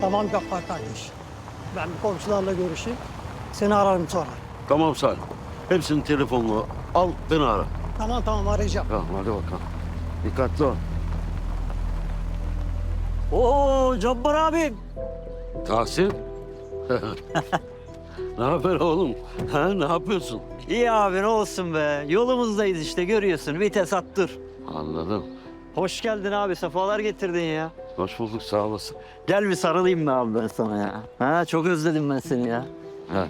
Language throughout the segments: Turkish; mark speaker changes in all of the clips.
Speaker 1: Tamam Gaffar kardeş. Ben bir komşularla görüşeyim. Seni ararım sonra.
Speaker 2: Tamam Salim. Hepsinin telefonunu al, beni ara.
Speaker 1: Tamam arayacağım.
Speaker 2: Tamam, hadi bakalım. Dikkatli ol.
Speaker 1: Oo Cabbar abim.
Speaker 2: Tahsin. Ne haber oğlum? Ha, ne yapıyorsun?
Speaker 3: İyi abi ne olsun be. Yolumuzdayız işte görüyorsun. Vites at dur.
Speaker 2: Anladım.
Speaker 3: Hoş geldin abi. Sefalar getirdin ya.
Speaker 2: Hoş bulduk, sağ olasın.
Speaker 3: Gel bir sarılayım mı abi ben sana ya? Ha çok özledim ben seni ya.
Speaker 2: Ha.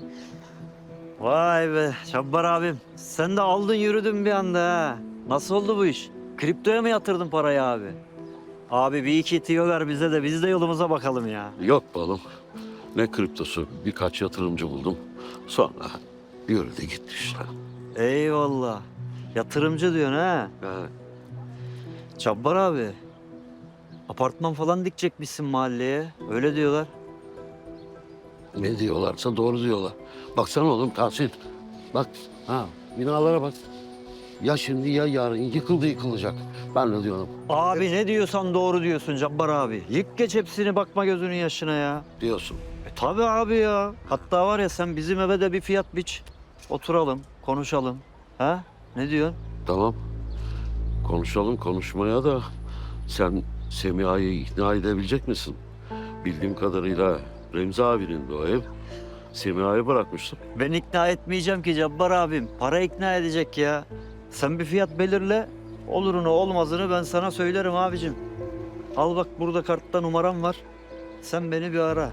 Speaker 3: Vay be Şabbar abim. Sen de aldın yürüdün bir anda ha. Nasıl oldu bu iş? Kriptoya mı yatırdın parayı abi? Abi bir iki tiyo ver bize de biz de yolumuza bakalım ya.
Speaker 2: Yok be oğlum. Ne kriptosu, birkaç yatırımcı buldum. Sonra yürüdü gitti işte.
Speaker 3: Eyvallah. Yatırımcı diyorsun ha.
Speaker 2: Ha.
Speaker 3: Şabbar abi. Apartman falan dikecekmişsin mahalleye. Öyle diyorlar.
Speaker 2: Ne diyorlarsa doğru diyorlar. Baksana oğlum Tahsin. Bak, ha, binalara bak. Ya şimdi ya yarın yıkılacak. Ben de diyorum
Speaker 3: Abi ne diyorsan doğru diyorsun Cabbar abi. Yık geç hepsini bakma gözünün yaşına ya.
Speaker 2: diyorsun.
Speaker 3: Tabii abi ya. Hatta var ya sen bizim eve de bir fiyat biç. Oturalım, konuşalım. Ha? Ne diyorsun?
Speaker 2: Tamam. Konuşalım konuşmaya da sen Semiha'yı ikna edebilecek misin? Bildiğim kadarıyla Remzi abinin de o ev. Semiha'yı bırakmıştım.
Speaker 3: Ben ikna etmeyeceğim ki Cabbar abim. Para ikna edecek ya. Sen bir fiyat belirle. Olurunu olmazını ben sana söylerim abicim. Al bak burada kartta numaram var. Sen beni bir ara.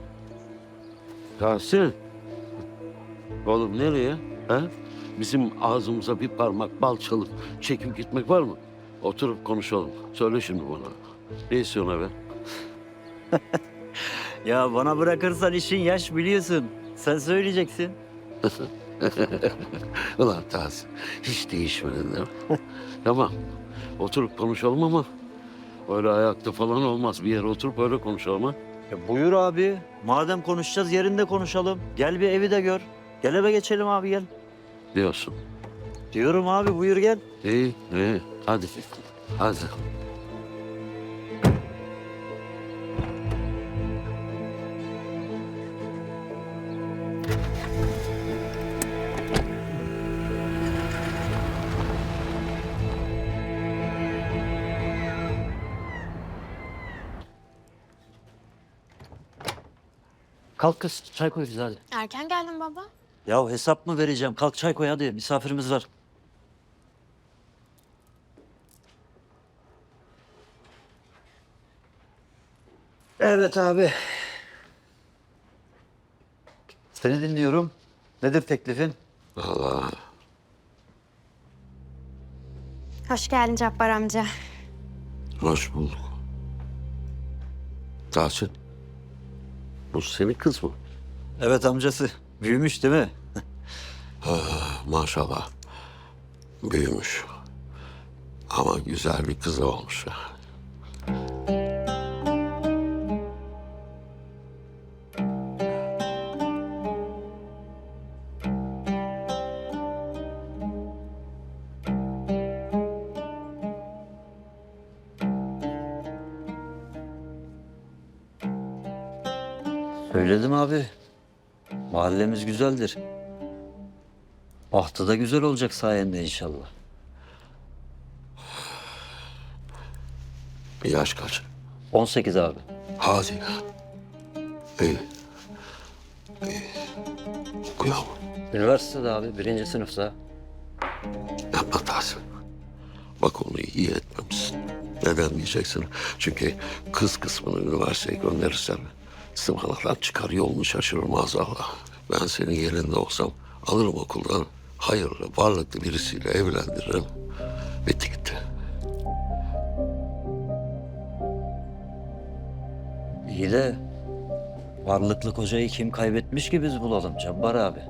Speaker 2: Tahsin. Oğlum nereye? Ha? Bizim ağzımıza bir parmak bal çalıp çekip gitmek var mı? Oturup konuşalım. Söyle şimdi bana. Ne istiyorsun abi?
Speaker 3: Ya bana bırakırsan işin yaş biliyorsun. Sen söyleyeceksin.
Speaker 2: Ulan Tahsin, hiç değişmedin değil mi? Tamam, oturup konuşalım ama öyle ayakta falan olmaz. Bir yere oturup öyle konuşalım ha.
Speaker 3: Ya buyur abi. Madem konuşacağız yerinde konuşalım. Gel bir evi de gör. Gel eve geçelim abi gel.
Speaker 2: Diyorsun.
Speaker 3: Diyorum abi buyur gel.
Speaker 2: İyi, iyi. Hadi. Hadi.
Speaker 3: Kalk kız çay koy bize hadi.
Speaker 4: Erken geldin baba.
Speaker 3: Ya hesap mı vereceğim? Kalk çay koy hadi. Misafirimiz var. Evet abi. Seni dinliyorum. Nedir teklifin?
Speaker 2: Allah.
Speaker 4: Hoş geldin Cabbar amca.
Speaker 2: Hoş bulduk. Tahsin. Bu senin kız mı?
Speaker 3: Evet amcası. Büyümüş değil mi?
Speaker 2: Maşallah. Büyümüş. Ama güzel bir kız olmuş.
Speaker 3: Söyledim abi. Mahallemiz güzeldir. Bahtı da güzel olacak sayende inşallah.
Speaker 2: Yaş kaç?
Speaker 3: 18 abi.
Speaker 2: Hadi. İyi. İyi. Okuyor mu?
Speaker 3: Üniversitede abi birinci sınıfta.
Speaker 2: Yapma Tahsin. Bak onu iyi etmemişsin. Neden diyeceksin? Çünkü kız kısmını üniversiteye gönderirsen sımanadan çıkar yolunu şaşırır maazallah. Ben senin yerinde olsam alırım okuldan hayırlı, varlıklı birisiyle evlendiririm. Bitti gitti.
Speaker 3: İyi de varlıklı kocayı kim kaybetmiş ki biz bulalım Cabbar abi.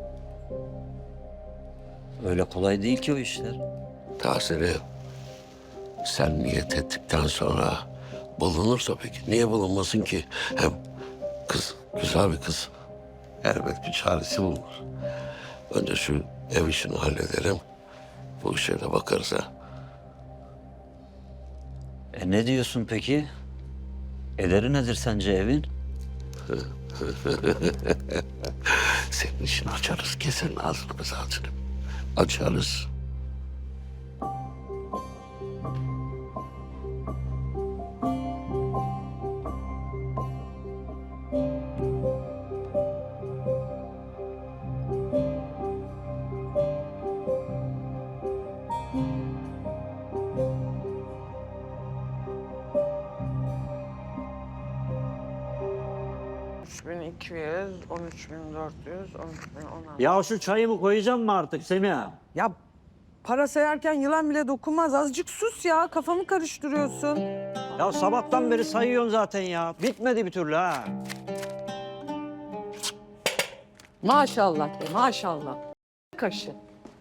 Speaker 3: Öyle kolay değil ki o işler.
Speaker 2: Tahsin'i sen niyet ettikten sonra bulunursa peki niye bulunmasın ki? Hem kız güzel bir kız. Elbet bir çaresi bulunur. Önce şu ev işini halledelim. Bu işe de bakarız ha.
Speaker 3: Ne diyorsun peki? Ederi nedir sence evin?
Speaker 2: Senin için açarız, kesenin ağzını ağzını. Açarız.
Speaker 3: Ya şu çayımı koyacağım mı artık Semiha?
Speaker 5: Ya para sayarken yılan bile dokunmaz. Azıcık sus ya. Kafamı karıştırıyorsun.
Speaker 3: Ya sabahtan beri sayıyorsun zaten ya. Bitmedi bir türlü ha.
Speaker 5: Maşallah de maşallah. Kaşı.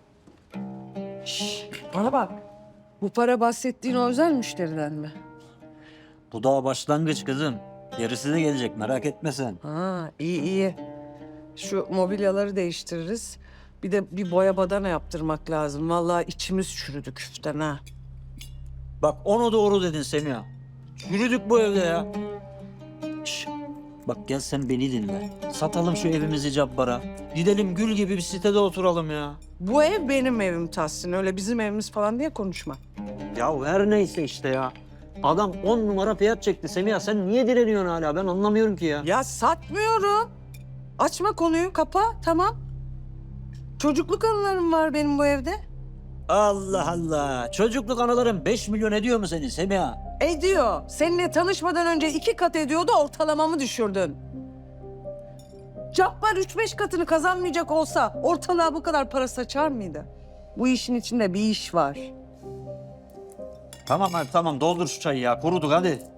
Speaker 5: Şş, bana bak. Bu para bahsettiğin o özel müşteriden mi?
Speaker 3: Bu daha başlangıç kızım. Gerisi de gelecek merak etme sen.
Speaker 5: Ha iyi iyi. Şu mobilyaları değiştiririz. Bir de bir boya badana yaptırmak lazım. Vallahi içimiz çürüdü küften ha.
Speaker 3: Bak onu doğru dedin Semiha. Yürüdük bu evde ya. Şş, bak gel sen beni dinle. Satalım şu evimizi Cabbar'a. Gidelim gül gibi bir sitede oturalım ya.
Speaker 5: Bu ev benim evim Tahsin. Öyle bizim evimiz falan diye konuşma.
Speaker 3: Ya her neyse işte ya. Adam 10 numara fiyat çekti Semiha. Sen niye direniyorsun hala? Ben anlamıyorum ki ya.
Speaker 5: Ya satmıyorum. Açma konuyu, kapa, tamam. Çocukluk anılarım var benim bu evde.
Speaker 3: Allah Allah. Çocukluk anıların 5 milyon ediyor mu senin Semiha?
Speaker 5: Ediyor. Seninle tanışmadan önce 2 kat ediyordu, ortalamamı düşürdün. Cabbar 3-5 katını kazanmayacak olsa ortalığa bu kadar para saçar mıydı? Bu işin içinde bir iş var.
Speaker 3: Tamam hadi tamam doldur şu çayı ya. Kuruduk hadi.